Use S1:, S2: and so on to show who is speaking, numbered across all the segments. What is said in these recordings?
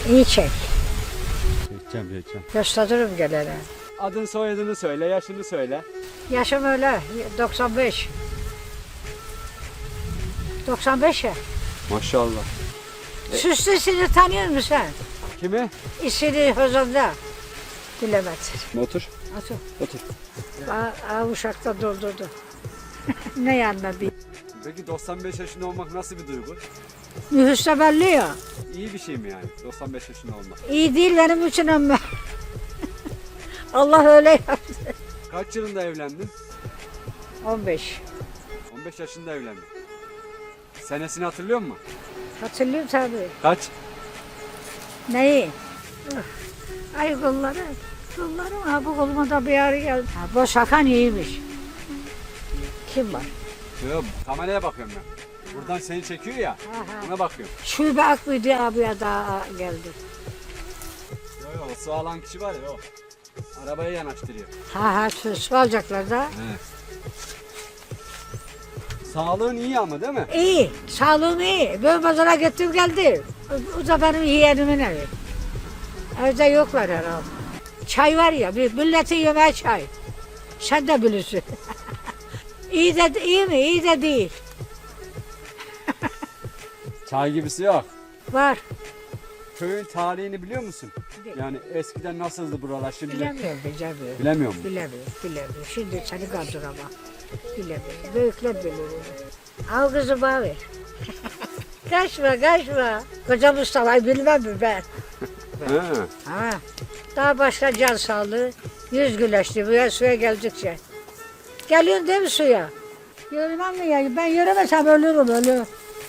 S1: İyi çek.
S2: Çekeceğim.
S1: Gösteririm gelene.
S2: Adın soyadını söyle, yaşını söyle.
S1: Yaşım öyle 95. 95 ya.
S2: Maşallah.
S1: Süslüsünü tanıyor musun sen?
S2: Kimi?
S1: İsmini Hozan'da. Bilemezsin.
S2: Otur.
S1: Otur.
S2: Otur.
S1: Uşakta doldurdu. Ne yanına bir.
S2: Peki 95 yaşında olmak nasıl bir duygu?
S1: Nüfusta belli ya.
S2: İyi bir şey mi yani 95 yaşında olmak?
S1: İyi değil benim için ama. Allah öyle yaptı.
S2: Kaç yılında evlendin?
S1: 15.
S2: 15 yaşında evlendin. Senesini hatırlıyor musun?
S1: Hatırlıyorum tabii.
S2: Kaç?
S1: Neyi? Ay kolları. Kollarım ha bu koluma da bir ağrı geldi. Ha, bu şakan iyiymiş. Kim var?
S2: Yok, kameraya bakıyorum ben. Buradan seni çekiyor ya, ona bakıyorum.
S1: Şube Akbüyü abiye daha geldi.
S2: Yok, o su alan kişi var ya o. Arabayı yanaştırıyor.
S1: Ha su alacaklar da.
S2: Evet. Sağlığın iyi ama değil mi?
S1: İyi, sağlığım iyi. Ben pazara gittim geldi. O da benim yeğenimin evi. Evde yoklar herhalde. Çay var ya, bir milletin yemeği çay. Sen de bilirsin. iyi mi? İyi de değil.
S2: Çay gibisi yok.
S1: Var.
S2: Köyün tarihini biliyor musun?
S1: Biliyorum.
S2: Yani eskiden nasıldı buralar şimdi?
S1: Bilemiyorum.
S2: Bilemiyor musun?
S1: Bilemiyorum. Şimdi seni kaldıramam. Bilemiyorum. Büyükler bilir onu. Al kızı bana ver. Kaçma. Koca Mustafa'yı bilmem mi ben?
S2: Ha.
S1: Ha. Daha başka can sağlığı. Yüz güleşti buraya suya geldikçe. Geliyorsun değil mi suya? Yürümem mi ya? Ben yürümesem ölürüm.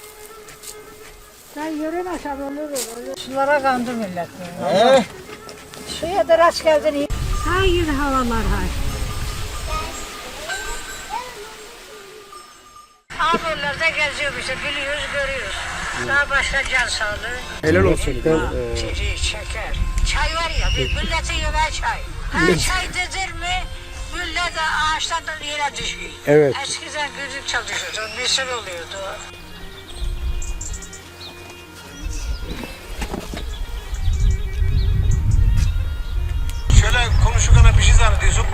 S1: Ben yürümesem ölürüm. Sulara kandı millet. Suya da rast geldin. Hayır havalar hay. Ağabeyler'de geziyoruz işte biliyoruz görüyoruz. Daha başka can sağlığı.
S3: Helal olsun.
S1: Çiğ, şeker. Çay var ya, milletin yemeği çay. Çay dedir mi, millet ağaçtan yere düşüyor.
S3: Evet.
S1: Eskiden güdük çalışıyordu, misir oluyordu.
S4: Şöyle konuşurken bir şey zannediyorsun.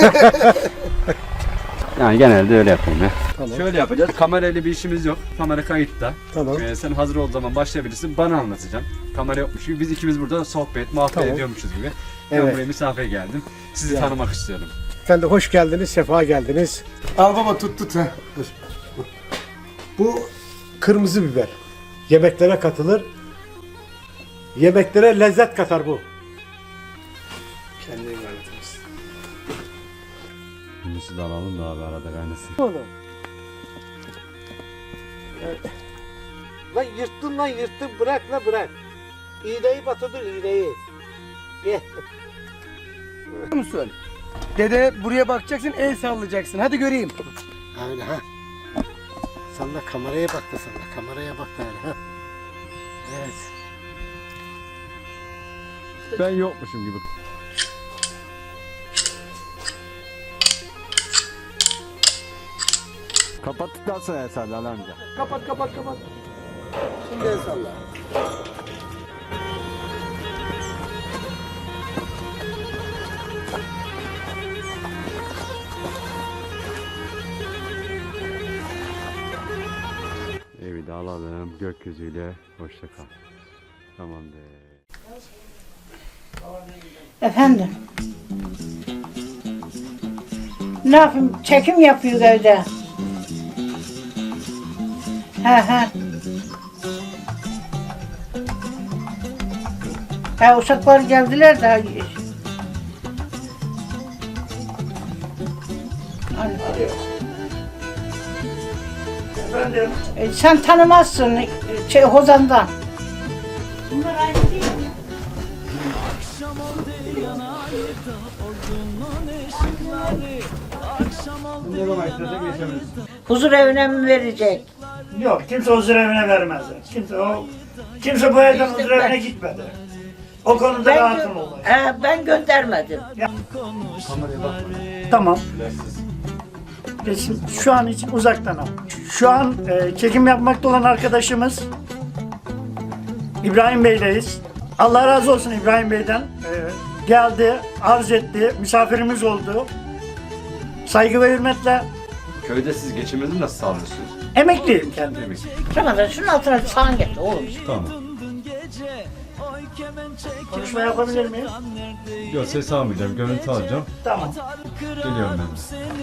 S2: Yani genelde öyle yapıyorum ya.
S3: Tamam.
S2: Şöyle yapacağız. Kamerayla bir işimiz yok. Kamera kayıtta.
S3: Tamam.
S2: Sen hazır olduğu zaman başlayabilirsin. Bana anlatacaksın. Kamera yokmuş gibi. Biz ikimiz burada sohbet, muhabbet
S3: Tamam.
S2: ediyormuşuz gibi. Ben
S3: Evet.
S2: buraya misafir geldim. Sizi
S3: Ya.
S2: tanımak istiyorum.
S3: Efendim hoş geldiniz, sefa geldiniz. Al baba tut. Ha. Dur. Bu kırmızı biber. Yemeklere katılır. Yemeklere lezzet katar bu. Kendini anlatırız.
S2: Bunu da alalım da abi arada kaynasın.
S3: Oğlum. Lan yırttın bırak. İğneyi batırdır iğneyi. Ye.
S5: musun? Dede buraya bakacaksın, el sallayacaksın. Hadi göreyim.
S3: Öyle ha. Sen de kameraya bak da kameraya bak da öyle ha. Evet.
S2: Ben yokmuşum gibi. Kapattıktan sonra Eser Ali amca.
S5: Kapat. Şimdi el salla.
S2: Evi de alalım. Gökyüzüyle hoşça kal. Tamamdır.
S1: Efendim? Ne yapayım? Çekim yapıyor evde. He. Uşaklar geldiler de.
S5: Efendim.
S1: Sen tanımazsın Hozan'dan. Bunlar aynı değil mi? Huzur evine mi verecek?
S6: Yok, kimse huzur evine vermez. Kimse bu evden huzur evine gitmedi. O konuda rahatım oldu.
S1: Ben göndermedim.
S6: Tamam. Resim şu an için uzaktan al. Şu an çekim yapmakta olan arkadaşımız İbrahim Bey'leyiz. Allah razı olsun İbrahim Bey'den. Geldi, arz etti, misafirimiz oldu. Saygı ve hürmetle
S2: Köyde siz geçiminizi nasıl sağlıyorsunuz?
S6: emekliyim kendim.
S1: Ramazan şunun altına sahan getir oğlum.
S2: Tamam.
S6: Konuşma yapabilir miyim?
S2: Yok ses almayacağım, görüntü alacağım.
S6: Tamam.
S2: Geliyorum ben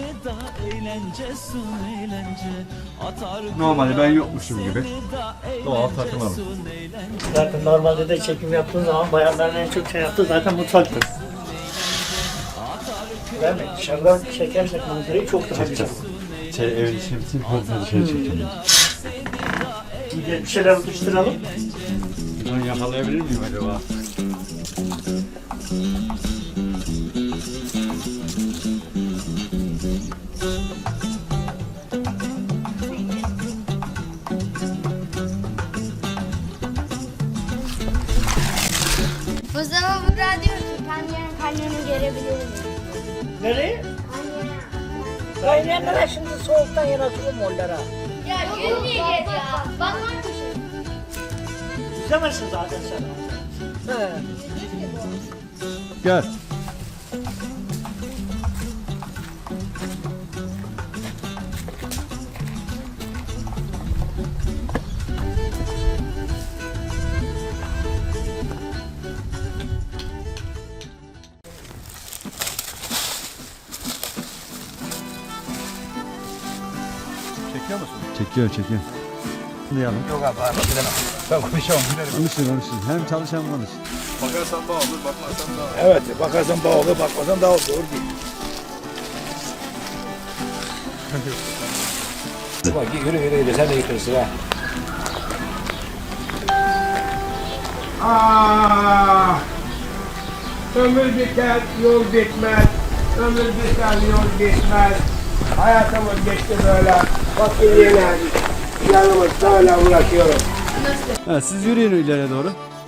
S2: de. Normalde ben yokmuşum gibi. Doğal takılalım.
S6: Zaten normalde de çekim yaptığın zaman bayanların en çok şey yaptığı zaten mutfaktır. Değil mi? Dışarıdan çekersek manzarayı çok daha güzel olur.
S2: Evin içine bütün kontrolü şey çekeceğim.
S6: Bir şeyler atıştıralım.
S2: Bunu yakalayabilir miyim acaba?
S7: O zaman bu radyo kanyonu gelebilirim.
S6: Nereye?
S1: Kaynayanlara şimdi soğuktan yaratıyorum onlara.
S7: Ya gülmeyeceğiz ya. Bak var bir şey.
S6: İzlemezsin zaten sen.
S1: He.
S2: Gel.
S3: Çekiyor musun?
S2: Çekiyor. Duyalım.
S4: Yok abi ben konuşamam.
S2: Konuşun. Hem çalışan konuş.
S4: Bakarsan bağ olur, bakmazsan bağ olur. Evet, bakarsan bağ olur, bakmazsan daha olur. Doğru değil. Bak yürü sen de yıkırsın ha.
S8: Ah, ömür biter, yol bitmez. Ömür biter, yol bitmez. Hayatımız geçti böyle. Bakın yine yanımız böyle uğraşıyorum.
S2: Ha, siz yürüyün ileriye doğru.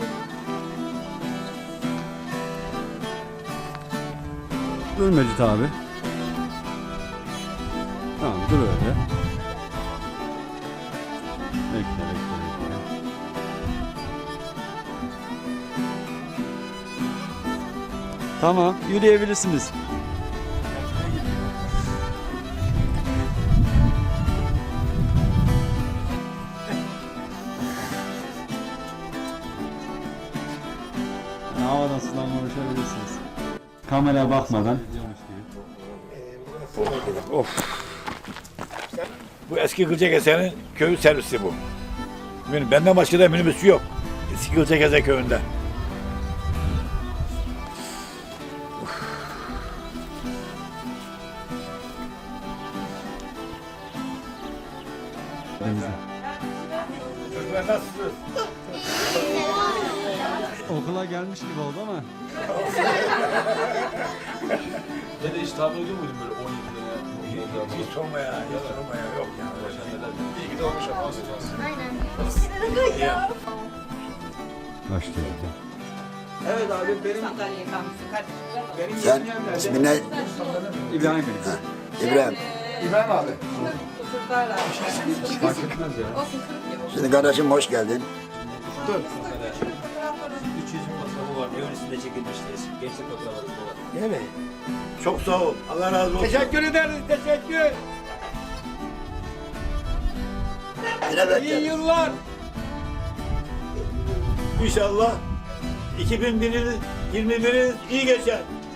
S2: Dur Mecit abi. Tamam dur öyle. Bekle. Tamam yürüyebilirsiniz. Havadan sudan konuşabilirsiniz. Kameraya bakmadan.
S4: Bu eski Gülcekese'nin köy servisi bu. Benden başka da minibüsü yok. Eski Gülcekese köyünde. Nasılsınız?
S2: Okula gelmiş gibi oldu ama.
S9: Dede hiç tahmin ediyor muydun böyle 17 liraya?
S4: Hiç sorma ya, yok ya.
S9: İyi ki de olmuş ama alacağız.
S2: Başlıyor.
S9: Evet abi benim
S10: Sen ismin ne?
S2: İbrahim Bey.
S10: İbrahim.
S9: İbrahim abi.
S2: Fark etmez ya.
S10: Şimdi kardeşim hoş geldin.
S9: 300 fotoğrafı var. Öylesinde çekilmiştir. Gençlik fotoğrafı var.
S4: Değil mi? Çok sağ ol. Allah razı olsun.
S8: Teşekkür ederiz, teşekkür.
S10: Yine bekleriz.
S8: İyi yıllar.
S4: İnşallah 2021'i iyi geçer.